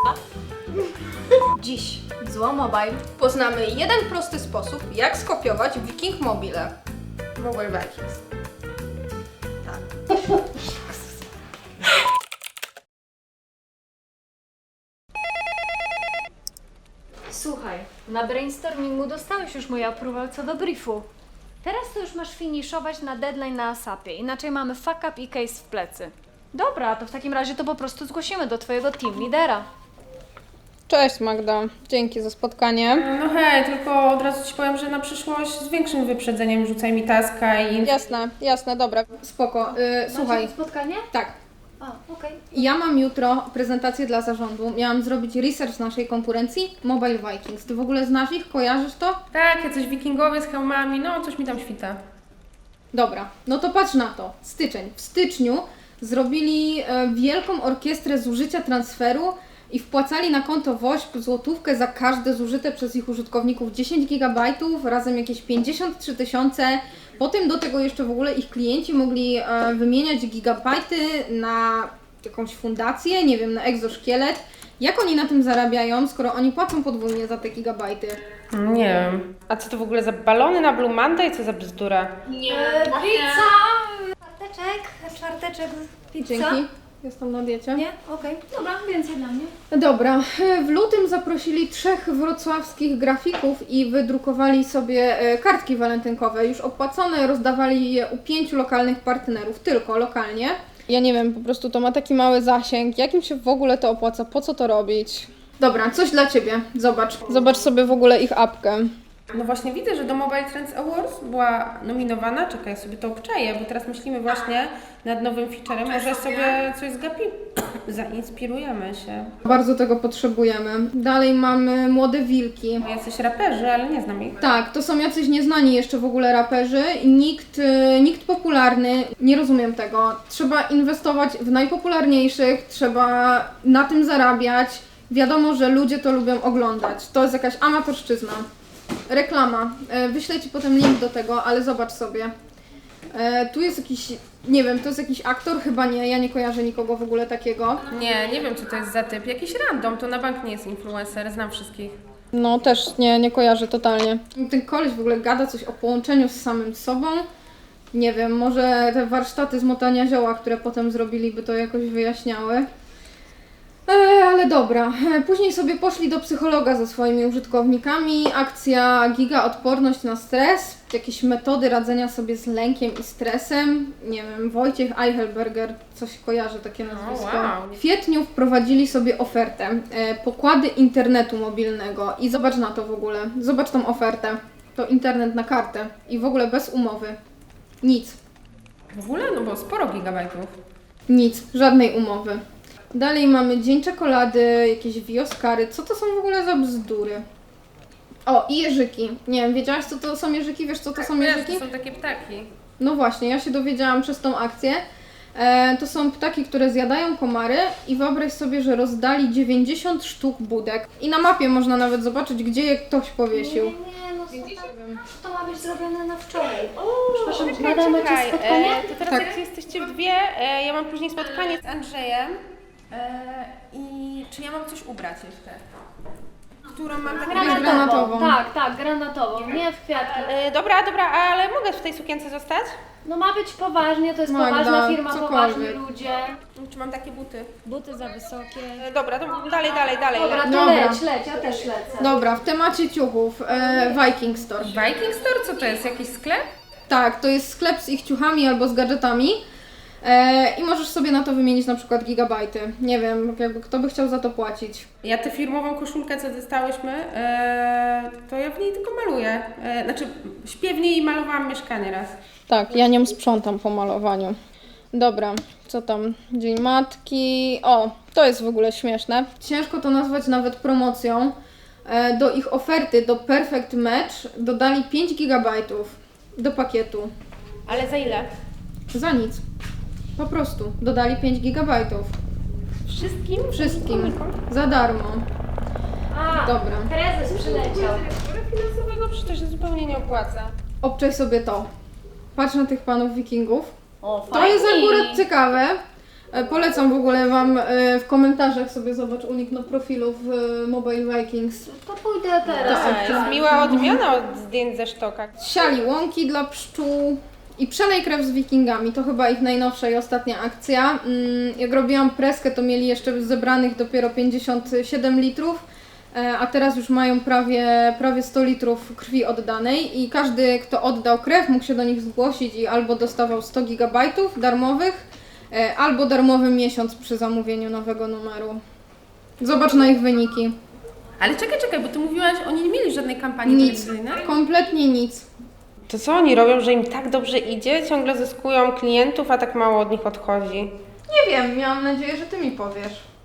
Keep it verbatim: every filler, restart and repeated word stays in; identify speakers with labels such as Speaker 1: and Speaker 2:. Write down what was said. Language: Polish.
Speaker 1: Dziś w Zło Mobile poznamy jeden prosty sposób, jak skopiować Viking Mobile. Mobile Vikings. Tak.
Speaker 2: Słuchaj, na brainstormingu dostałeś już mój approval co do briefu. Teraz to już masz finiszować na deadline na asapie, inaczej mamy fuck up i case w plecy. Dobra, to w takim razie to po prostu zgłosimy do twojego team lidera.
Speaker 1: Cześć Magda, dzięki za spotkanie.
Speaker 3: No hej, tylko od razu Ci powiem, że na przyszłość z większym wyprzedzeniem rzucaj mi taska i...
Speaker 1: Jasne, jasne, dobra, spoko. Yy, słuchaj,
Speaker 2: Macie spotkanie?
Speaker 1: tak.
Speaker 2: A, okej.
Speaker 1: Ja mam jutro prezentację dla zarządu. Miałam zrobić research naszej konkurencji Mobile Vikings. Ty w ogóle znasz ich? Kojarzysz to?
Speaker 3: Tak, jacyś wikingowie z hełmami, no coś mi tam świta.
Speaker 1: Dobra, no to patrz na to. Styczeń. W styczniu zrobili e, wielką orkiestrę zużycia transferu i wpłacali na konto W O ŚP złotówkę za każde zużyte przez ich użytkowników dziesięć gigabajtów, razem jakieś pięćdziesiąt trzy tysiące. Potem do tego jeszcze w ogóle ich klienci mogli e, wymieniać gigabajty na jakąś fundację, nie wiem, na egzoszkielet. Jak oni na tym zarabiają, skoro oni płacą podwójnie za te gigabajty?
Speaker 3: Nie wiem. A co to w ogóle za balony na Blue Monday? Co za bzdura?
Speaker 2: Nie, pizza! Czwarteczek, czwarteczek, pizza.
Speaker 1: Dzięki. Jestem na diecie.
Speaker 2: Nie? Okej. Dobra, więcej dla mnie.
Speaker 1: Dobra, w lutym zaprosili trzech wrocławskich grafików i wydrukowali sobie e, kartki walentynkowe, już opłacone, rozdawali je u pięciu lokalnych partnerów, tylko lokalnie. Ja nie wiem, po prostu to ma taki mały zasięg, jakim się w ogóle to opłaca, po co to robić? Dobra, coś dla Ciebie, zobacz. Zobacz sobie w ogóle ich apkę.
Speaker 3: No właśnie widzę, że do Mobile Trends Awards była nominowana. Czekaj, sobie to obczaję, bo teraz myślimy właśnie nad nowym featurem. Może sobie coś zgapimy. Zainspirujemy się.
Speaker 1: Bardzo tego potrzebujemy. Dalej mamy Młode Wilki.
Speaker 3: Bo jacyś raperzy, ale nie znam ich.
Speaker 1: Tak, to są jacyś nieznani jeszcze w ogóle raperzy i nikt, y, nikt popularny, nie rozumiem tego. Trzeba inwestować w najpopularniejszych, trzeba na tym zarabiać. Wiadomo, że ludzie to lubią oglądać. To jest jakaś amatorszczyzna. Reklama. E, Wyślę Ci potem link do tego, ale zobacz sobie. E, Tu jest jakiś, nie wiem, to jest jakiś aktor? Chyba nie, ja nie kojarzę nikogo w ogóle takiego.
Speaker 3: Nie, nie wiem co to jest za typ. Jakiś random, to na bank nie jest influencer, znam wszystkich.
Speaker 1: No też nie, nie kojarzę totalnie. Ten koleś w ogóle gada coś o połączeniu z samym sobą. Nie wiem, może te warsztaty z motania zioła, które potem zrobili, by to jakoś wyjaśniały. E, ale dobra. E, Później sobie poszli do psychologa ze swoimi użytkownikami. Akcja Giga Odporność na stres. Jakieś metody radzenia sobie z lękiem i stresem. Nie wiem, Wojciech Eichelberger, coś kojarzy takie nazwisko.
Speaker 3: wow.
Speaker 1: W kwietniu wprowadzili sobie ofertę. E, pokłady internetu mobilnego. I zobacz na to w ogóle. Zobacz tą ofertę. To internet na kartę. I w ogóle bez umowy. Nic.
Speaker 3: W ogóle? No bo sporo gigabajtów.
Speaker 1: Nic. Żadnej umowy. Dalej mamy Dzień Czekolady, jakieś wioskary. Co to są w ogóle za bzdury? O, i jeżyki. Nie wiem, wiedziałaś co to są jeżyki? Wiesz co to są
Speaker 3: Wiesz,
Speaker 1: jeżyki?
Speaker 3: to są takie ptaki.
Speaker 1: No właśnie, ja się dowiedziałam przez tą akcję. E, to są ptaki, które zjadają komary i wyobraź sobie, że rozdali dziewięćdziesiąt sztuk budek. I na mapie można nawet zobaczyć, gdzie je ktoś powiesił.
Speaker 2: Nie, no to ma być zrobione na wczoraj. Przepraszam,
Speaker 3: Czekaj,
Speaker 2: nadamy
Speaker 3: czekaj.
Speaker 2: ci spotkanie?
Speaker 3: E, to teraz
Speaker 1: Tak.
Speaker 3: jak jesteście w dwie, e, ja mam później spotkanie z Andrzejem. E, I czy ja mam coś ubrać jeszcze? Którą mam taką...
Speaker 1: Granatową.
Speaker 2: Tak, tak, granatową, nie w kwiatki.
Speaker 3: E, dobra, dobra, ale mogę w tej sukience zostać?
Speaker 2: No ma być poważnie, to jest
Speaker 1: Magda,
Speaker 2: poważna firma,
Speaker 1: cokolwiek.
Speaker 2: poważni ludzie.
Speaker 3: Czy mam takie buty?
Speaker 2: Buty za wysokie.
Speaker 3: E, dobra, to dalej, dalej, dalej.
Speaker 2: Dobra, to
Speaker 1: Dobra.
Speaker 2: leć, leć, ja też lecę.
Speaker 1: Dobra, w temacie ciuchów. E, Viking Store.
Speaker 3: Viking Store? Co to jest? Jakiś sklep?
Speaker 1: Tak, to jest sklep z ich ciuchami albo z gadżetami. E, I możesz sobie na to wymienić na przykład gigabajty. Nie wiem, jakby kto by chciał za to płacić.
Speaker 3: Ja tę firmową koszulkę, co dostałyśmy, e, to ja w niej tylko maluję. E, znaczy, śpię w niej i malowałam mieszkanie raz.
Speaker 1: Tak, ja nią sprzątam po malowaniu. Dobra, co tam? Dzień Matki. O, to jest w ogóle śmieszne. Ciężko to nazwać nawet promocją. E, do ich oferty, do Perfect Match dodali pięć gigabajtów do pakietu.
Speaker 3: Ale za ile?
Speaker 1: Za nic. Po prostu dodali pięć gigabajtów.
Speaker 3: Wszystkim?
Speaker 1: Wszystkim. Za darmo.
Speaker 2: A,
Speaker 1: Dobra.
Speaker 2: prezes przyleciał.
Speaker 3: Dyrektora finansowego przecież to się zupełnie nie opłaca.
Speaker 1: Obczaj sobie to. Patrz na tych panów wikingów.
Speaker 2: O,
Speaker 1: To jest akurat ciekawe, E, Polecam w ogóle Wam e, w komentarzach sobie zobacz unik na profilu w e, Mobile Vikings.
Speaker 2: To pójdę teraz.
Speaker 3: Tak, jest miła odmiana od zdjęć ze sztoka.
Speaker 1: Siali łąki dla pszczół i przelej krew z wikingami. To chyba ich najnowsza i ostatnia akcja. Mm, Jak robiłam preskę, to mieli jeszcze zebranych dopiero pięćdziesiąt siedem litrów, e, a teraz już mają prawie, prawie sto litrów krwi oddanej i każdy, kto oddał krew, mógł się do nich zgłosić i albo dostawał sto gigabajtów darmowych, e, albo darmowy miesiąc przy zamówieniu nowego numeru. Zobacz na ich wyniki.
Speaker 3: Ale czekaj, czekaj, bo ty mówiłaś, oni nie mieli żadnej kampanii
Speaker 1: Nic.
Speaker 3: telewizyjnej.
Speaker 1: Kompletnie nic.
Speaker 3: To co oni robią, że im tak dobrze idzie? Ciągle zyskują klientów, a tak mało od nich odchodzi.
Speaker 1: Nie wiem, miałam nadzieję, że Ty mi powiesz.